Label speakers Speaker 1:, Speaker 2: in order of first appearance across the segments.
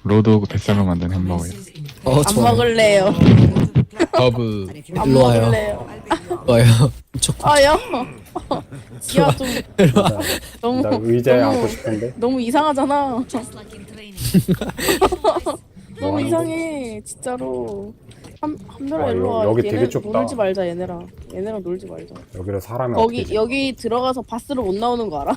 Speaker 1: 로드 오브 뱃살로 만든 햄버거요.
Speaker 2: 안
Speaker 3: 좋아요.
Speaker 2: 먹을래요.
Speaker 1: 버브.
Speaker 2: 안
Speaker 3: 일로 와요.
Speaker 2: 먹을래요.
Speaker 3: 좋아요. 좋고.
Speaker 2: 아야. 야, 좀 너무
Speaker 4: 나 의자에
Speaker 2: 너무-
Speaker 4: 앉고 싶은데.
Speaker 2: 너무 이상하잖아. 너무
Speaker 4: 하는
Speaker 2: 이상해, 진짜로. 한별아
Speaker 4: 와,
Speaker 2: 일로 와.
Speaker 4: 여기 되게
Speaker 2: 얘네
Speaker 4: 좁다.
Speaker 2: 놀지 말자, 얘네랑. 얘네랑 놀지 말자.
Speaker 4: 여기로 사람이
Speaker 2: 거기
Speaker 4: 어떻게
Speaker 2: 여기 들어가서 바스로 못 나오는 거 알아?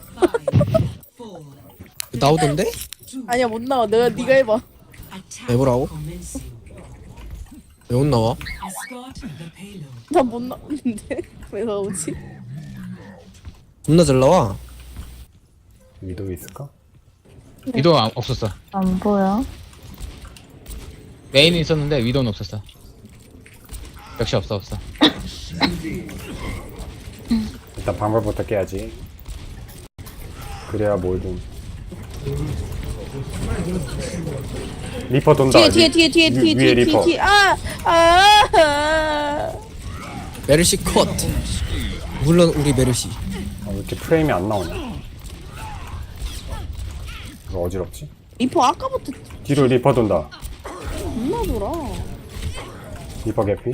Speaker 3: 나오던데?
Speaker 2: 아니야, 못 나와. 네가 해봐.
Speaker 3: 해보라고? 왜 못 나와?
Speaker 2: 난 못 나오는데 왜 나오지?
Speaker 3: 겁나 잘 나와.
Speaker 4: 위도 있을까?
Speaker 1: 위도 없었어.
Speaker 5: 안 보여.
Speaker 1: 메인은 있었는데 위도는 없었어. 역시 없어.
Speaker 4: 일단 방법부터 깨야지. 그래야 뭐든. 리퍼 돈다.
Speaker 2: 뒤에
Speaker 4: 위에 리퍼.
Speaker 2: 아.
Speaker 3: 메르시 컷. 물론 우리 메르시.
Speaker 4: 왜 이렇게 프레임이 안 나오냐? 이거 어지럽지?
Speaker 2: 리퍼 아까부터
Speaker 4: 뒤로 리퍼 돈다.
Speaker 2: 겁나 돌아.
Speaker 4: 리퍼 개피.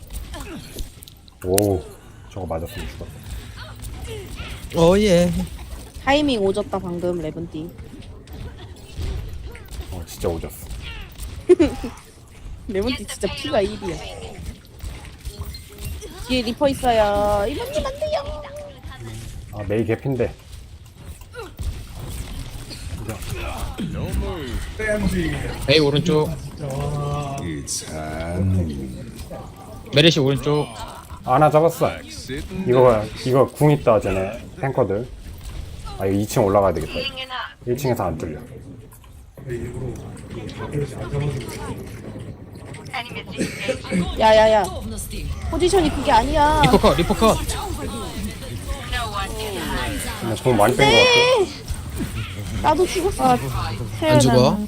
Speaker 4: 오, 저거 맞았으면 죽었다.
Speaker 3: 예.
Speaker 2: 타이밍 오졌다 방금 레븐띠.
Speaker 4: 진짜 오졌어.
Speaker 2: 레몬티 진짜 피가 1이야. 뒤에 리퍼 있어요. 이모님 안 돼요.
Speaker 4: 아, 메이 개피인데.
Speaker 1: 메이 오른쪽. 메르시 오른쪽.
Speaker 4: 하나 잡았어. 이거 궁 있다, 쟤네. 탱커들. 아, 이거 2층 올라가야 되겠다. 1층에서 안 뚫려.
Speaker 2: 야야야. 포지션이 그게 아니야.
Speaker 1: 리퍼 컷.
Speaker 4: 그냥 궁 많이 뺀 것 같아.
Speaker 2: 나도 죽었어.
Speaker 3: 안 죽어?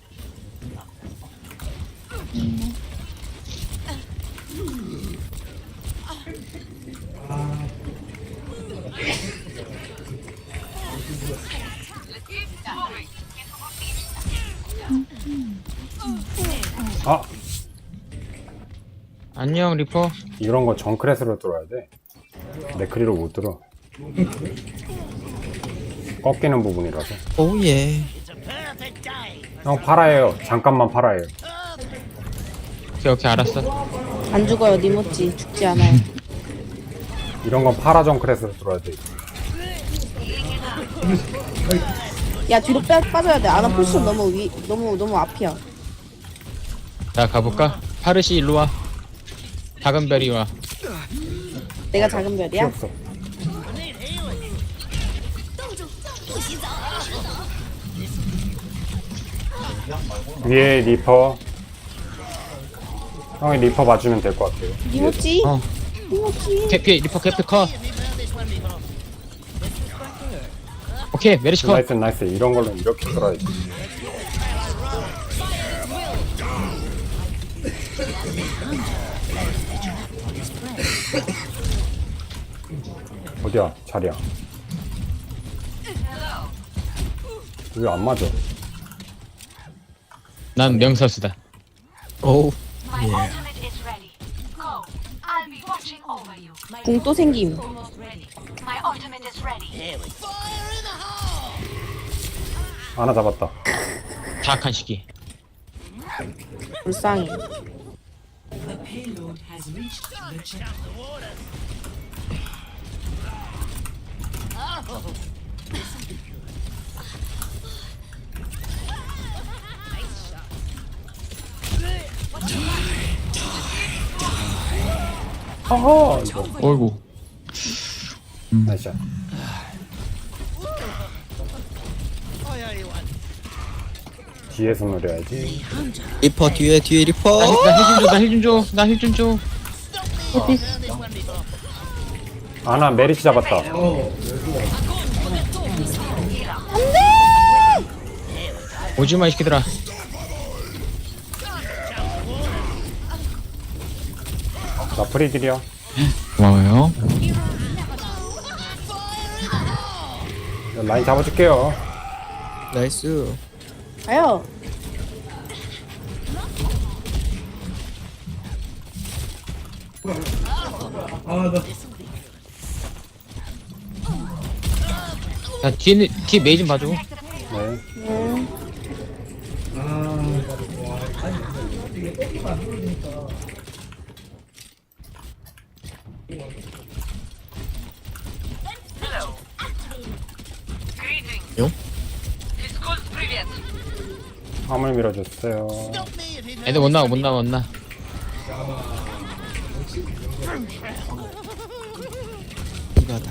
Speaker 4: 아,
Speaker 1: 안녕 리퍼.
Speaker 4: 이런 거 정크렛으로 뚫어야 돼. 네크리로 못 뚫어. 꺾이는 부분이라서.
Speaker 3: 예.
Speaker 4: 형 팔아요. 잠깐만 팔아요.
Speaker 1: 오케이 알았어.
Speaker 2: 안 죽어요. 니모찌 죽지 않아요.
Speaker 4: 이런 건 파라 정크렛으로 뚫어야 돼.
Speaker 2: 야 뒤로 빠져야 돼. 아나 포지션 너무 앞이야.
Speaker 1: 자 가볼까? 파르시 일로 와. 작은 별이 와.
Speaker 2: 내가 작은
Speaker 4: 필요
Speaker 2: 별이야?
Speaker 4: 없어. 위에 리퍼. 형이 리퍼 봐주면 될 것 같아요.
Speaker 2: 니모찌?
Speaker 1: 어.
Speaker 2: 니모찌?
Speaker 1: 리퍼 캐피 컷. 오케이 메르시 컷.
Speaker 4: 나이스. 이런 걸로 이렇게 뚫어야지. 어디야? 자리야. 왜 안 맞아?
Speaker 1: 난 명설수다.
Speaker 3: 오우.
Speaker 6: My ultimate is ready. Go. I'll be watching over you.
Speaker 2: 궁 또 생김.
Speaker 6: My ultimate is ready.
Speaker 4: 하나 잡았다.
Speaker 1: 자악한 시기.
Speaker 2: 불쌍해.
Speaker 4: 허허. 이거.
Speaker 1: 어이구.
Speaker 4: 나이스. 뒤에서 노려야지.
Speaker 3: 리퍼 뒤에 리퍼.
Speaker 1: 나 힐 좀 줘.
Speaker 4: 아나 메리치 잡았다.
Speaker 1: 오지마 이 새끼들아.
Speaker 4: 나 프리딜이야.
Speaker 1: 고마워요.
Speaker 4: 라인 잡아줄게요.
Speaker 3: 나이스.
Speaker 2: 가요.
Speaker 1: 야 뒤에 메이 좀 봐줘.
Speaker 4: 네.
Speaker 3: 용?
Speaker 4: 화물 밀어줬어요.
Speaker 1: 애들 못 나와 못 나와 못 나와.
Speaker 3: 이거다.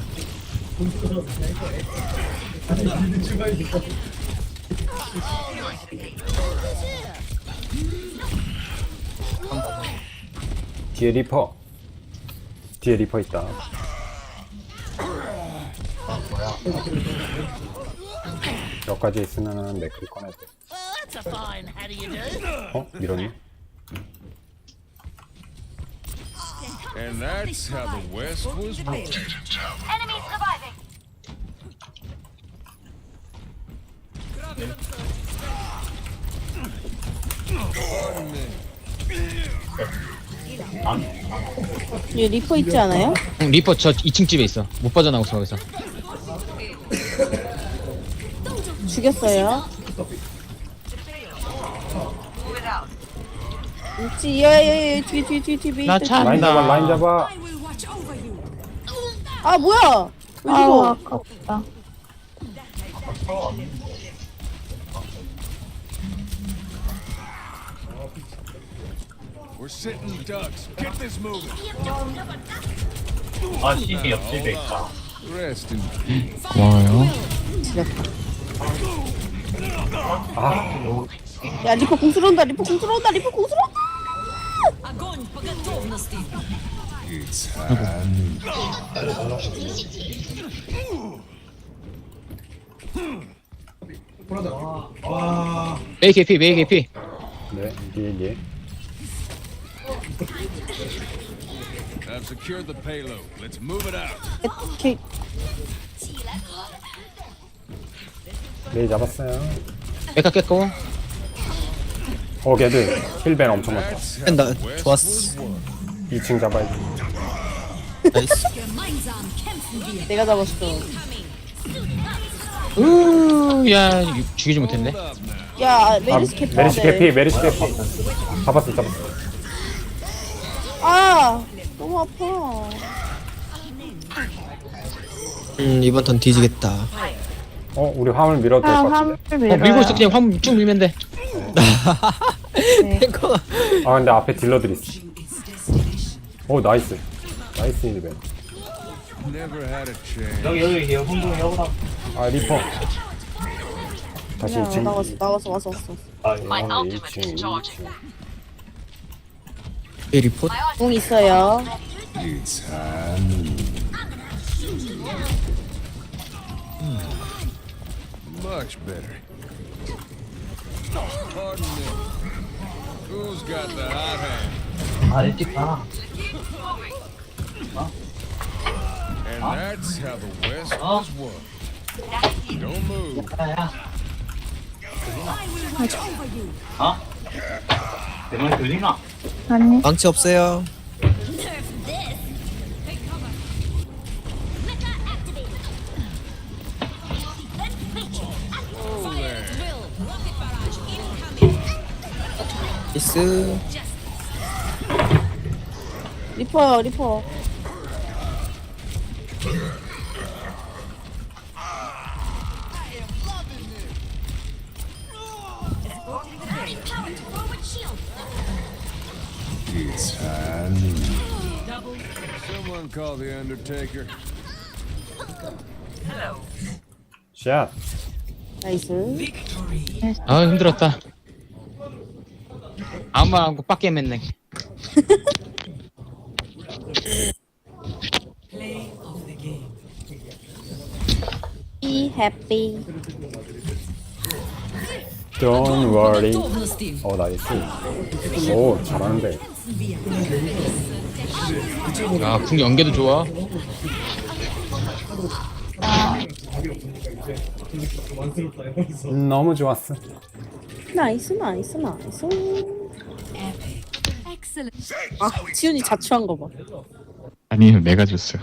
Speaker 4: 뒤에 리퍼. 뒤에 리퍼 있다. 여기까지 있으면은 맥클 꺼내야 돼. 어? 밀었네?
Speaker 5: And that's how the West was won.
Speaker 6: Enemy surviving.
Speaker 2: 얘 리퍼 있지 않아요?
Speaker 1: 응, 리퍼 저 2층 집에 있어. 못 빠져나오고 거기서.
Speaker 2: 죽였어요. 있지, 야야야, 뒤에 메이
Speaker 1: 나
Speaker 2: 있다.
Speaker 1: 참.
Speaker 4: 라인 잡아, 라인 잡아.
Speaker 2: 아 뭐야? 왜
Speaker 7: 아우
Speaker 2: 죽어?
Speaker 7: 아깝다.
Speaker 5: We're sitting ducks. Get this moving. Rest in
Speaker 1: 고마워요.
Speaker 2: 지렸다. 야 리퍼 공 들어온다. 리퍼 공 들어온다. 리퍼 공 들어온다.
Speaker 1: 메이 개피 메이 개피.
Speaker 4: 네, 뒤에.
Speaker 5: I've secured the payload. Let's move it out.
Speaker 2: 이렇게
Speaker 4: 메이 잡았어요.
Speaker 1: 메카 깼고.
Speaker 4: 걔들 힐벤 엄청 많다.
Speaker 5: That's how
Speaker 3: 뺀다.
Speaker 5: the West
Speaker 3: 좋았어.
Speaker 5: was won.
Speaker 4: 2층 잡아야지.
Speaker 3: 나이스.
Speaker 2: 내가 잡았어.
Speaker 1: 야 죽이지 못했네.
Speaker 5: Hold up now.
Speaker 2: 야 메리스 캐피.
Speaker 4: 메리시 개피, 메리시 개피. 잡았어.
Speaker 2: 아 너무 아파.
Speaker 3: 이번 턴 뒤지겠다.
Speaker 4: 우리 화물 밀어도 될 것 같은데.
Speaker 7: 화물 밀어요.
Speaker 1: 밀고 있어 그냥 화물 쭉 밀면 돼.
Speaker 3: 탱커.
Speaker 4: 근데 앞에 딜러들 있어. 나이스. 나이스 힐벤.
Speaker 5: Never had a chance.
Speaker 4: 리퍼. 다시
Speaker 2: 야
Speaker 4: 2층.
Speaker 2: 나왔어.
Speaker 6: My
Speaker 4: 네,
Speaker 6: ultimate is charging.
Speaker 3: 이 리포트.
Speaker 2: 공 있어요.
Speaker 5: Much better. Pardon me. Who's got the hot hand? And that's how the West was won. Don't move.
Speaker 7: 아니
Speaker 3: 망치 없어요. 나이스.
Speaker 2: 리퍼.
Speaker 5: Someone call the Undertaker.
Speaker 4: 샷.
Speaker 2: 나이스.
Speaker 1: 아 힘들었다. 아무 말 안고 빡게 맨네.
Speaker 2: Be happy.
Speaker 4: Don't worry. 나이스. 잘하는데.
Speaker 1: 야궁 연계도 좋아.
Speaker 4: 너무 좋았어.
Speaker 2: 나이스. 아 지훈이 자초한 거 봐.
Speaker 1: 아니요, 내가 줬어요.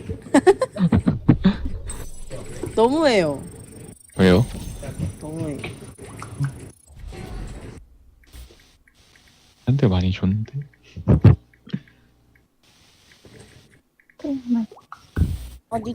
Speaker 2: 너무해요.
Speaker 1: 왜요?
Speaker 2: 너무해.
Speaker 1: 한 대 많이 줬는데.